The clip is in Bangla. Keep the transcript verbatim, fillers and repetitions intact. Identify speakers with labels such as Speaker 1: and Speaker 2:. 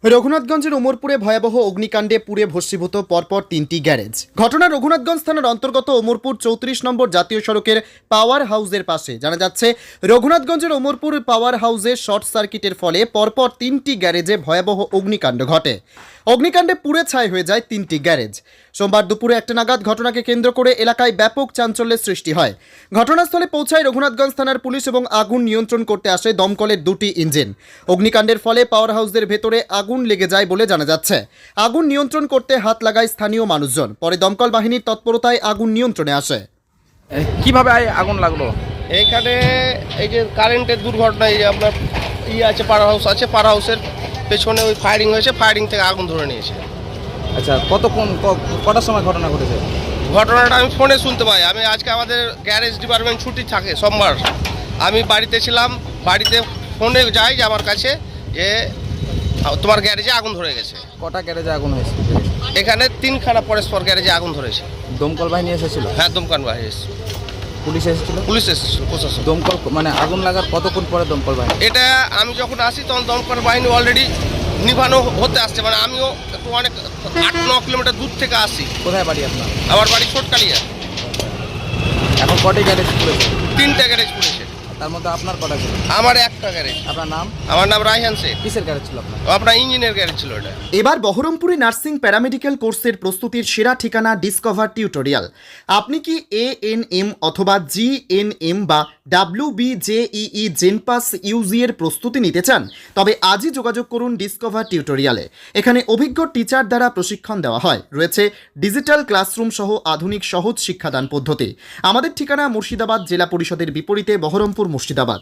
Speaker 1: রঘুনাথগঞ্জের ওমরপুরে ভয়াবহ অগ্নিকাণ্ডে পুড়ে ভস্মীভূত পরপর তিনটি গ্যারেজ। ঘটনা রঘুনাথগঞ্জ থানার অন্তর্গত ওমরপুর চৌত্রিশ নম্বর জাতীয় সড়কের পাওয়ার হাউসের পাশে। জানা যাচ্ছে, রঘুনাথগঞ্জের ওমরপুর পাওয়ার হাউসে শর্ট সার্কিটের ফলে পরপর তিনটি গ্যারেজে ভয়াবহ অগ্নিকাণ্ড ঘটে। অগ্নিকাণ্ডে পুড়ে ছাই হয়ে যায় তিনটি গ্যারেজ। সোমবার দুপুরে একটা নাগাদ ঘটনাকে কেন্দ্র করে এলাকায় ব্যাপক চাঞ্চল্যের সৃষ্টি হয়। ঘটনাস্থলে পৌঁছায় রঘুনাথগঞ্জ থানার পুলিশ এবং আগুন নিয়ন্ত্রণ করতে আসে দমকলের দুটি ইঞ্জিন। অগ্নিকাণ্ডের ফলে পাওয়ার হাউসের ভেতরে আগুন লেগে যায় বলে জানা যাচ্ছে। আগুন নিয়ন্ত্রণ করতে হাত লাগায় স্থানীয় মানুষজন। পরে দমকল বাহিনীর তৎপরতায় আগুন নিয়ন্ত্রণে আসে।
Speaker 2: এ, কিভাবে আই- আগুন লাগলো?
Speaker 3: এইখানে এই যে কারেন্টের দুর্ঘটনা, এই যে আপনার ইয়ে আছে, পাওয়ার হাউস আছে, পাওয়ার হাউসের পেছনে ওই ফায়ারিং হয়েছে, ফায়ারিং থেকে আগুন ধরে নিয়েছে।
Speaker 2: আচ্ছা, কতক্ষণ ক- কটার সময় ঘটনা ঘটেছে?
Speaker 3: ঘটনাটা আমি ফোনে শুনতে পাই। আমি আজকে আমাদের গ্যারেজ ডিপার্টমেন্ট ছুটি থাকে সোমবার, আমি বাড়িতে ছিলাম। বাড়িতে ফোনে যাই যে আমার কাছে যে তোমার গ্যারেজে আগুন ধরে গেছে।
Speaker 2: কটা গ্যারেজে আগুন হয়েছে?
Speaker 3: এখানে তিনখানা পরস্পর গ্যারেজে আগুন ধরেছে।
Speaker 2: দমকল বাহিনী এসেছিল?
Speaker 3: হ্যাঁ, দমকল বাহিনী এসেছে,
Speaker 2: পুলিশ এসেছিল?
Speaker 3: পুলিশ এসেছিল, প্রশাসন।
Speaker 2: দমকল মানে আগুন লাগার কতক্ষণ পরে দমকল বাহিনী?
Speaker 3: এটা আমি যখন আসি তখন দমকল বাহিনী অলরেডি নিভানো হতে আসছে। মানে আমিও একটু অনেক আট ন কিলোমিটার দূর থেকে আসি।
Speaker 2: কোথায় বাড়ি আপনার?
Speaker 3: আমার বাড়ি ছোটকালিয়া।
Speaker 2: এখন কটি গ্যারেজ খুলেছে?
Speaker 3: তিনটা গ্যারেজ পড়েছে।
Speaker 2: তার মধ্যে আপনার কটা ছিল?
Speaker 3: আমার একটা গ্যারেজ।
Speaker 2: আপনার নাম?
Speaker 3: আমার নাম রায়হান শেখ।
Speaker 2: কিসের গ্যারেজ ছিল আপনার?
Speaker 3: আপনার ইঞ্জিনের গ্যারেজ ছিল এটা।
Speaker 1: এবার বহরমপুরে নার্সিং প্যারামেডিক্যাল কোর্সের প্রস্তুতির সেরা ঠিকানা ডিসকভার টিউটোরিয়াল। আপনি কি এ এন এম অথবা জি এন এম বা W B J E E JENPAS UG এর প্রস্তুতি নিতে চান? তবে আজই যোগাযোগ করুন ডিসকভার টিউটোরিয়ালে। এখানে অভিজ্ঞ টিচার দ্বারা প্রশিক্ষণ দেওয়া হয়। রয়েছে ডিজিটাল ক্লাসরুম সহ আধুনিক সহজ শিক্ষাদান পদ্ধতি। আমাদের ঠিকানা মুর্শিদাবাদ জেলা পরিষদের বিপরীতে, বহরমপুর, মুর্শিদাবাদ।